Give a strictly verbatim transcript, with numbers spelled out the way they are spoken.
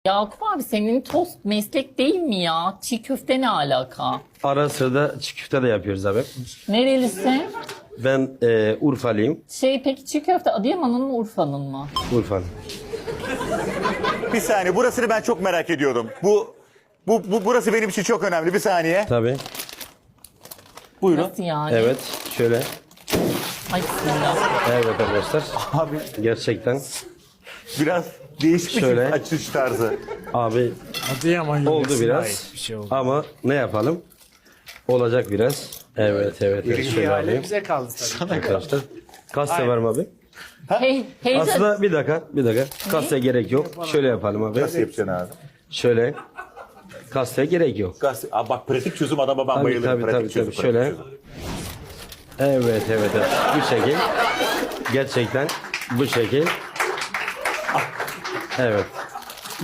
Yakup abi senin tost meslek değil mi ya? Çiğ köfte ne alaka? Ara sırada çiğ köfte de yapıyoruz abi. Nerelisin? Ben e, Urfalıyım. Şey peki çiğ köfte Adıyaman'ın mı Urfa'nın mı? Urfalı. Bir saniye, burasını ben çok merak ediyordum. Bu, bu, bu burası benim için çok önemli. Bir saniye. Tabii. Buyurun. Nasıl yani? Evet. Şöyle. Ay bismillah. Evet arkadaşlar. Abi Gerçekten. biraz değişik bir Şöyle. açış tarzı. Abi Adıyaman oldu yöresine biraz. ait bir şey oldu. Ama ne yapalım? Olacak biraz. Evet evet. evet. Şöyle İhale alayım. bize kaldı tabii. Arkadaşlar. Kaste var mı abi? Hey, heyecan. Aslında bir dakika. Bir dakika. Kaste gerek yok. Şöyle yapalım abi. Nasıl yapacaksın abi? Şöyle. Kaste gerek yok. Gaz- Abi bak pratik çözüm adama ben Tabii bayılırım. tabii pratik tabii. çözüm, tabii. pratik Şöyle. çözüm. Evet evet evet. Bu şekil. Gerçekten bu şekil. Evet.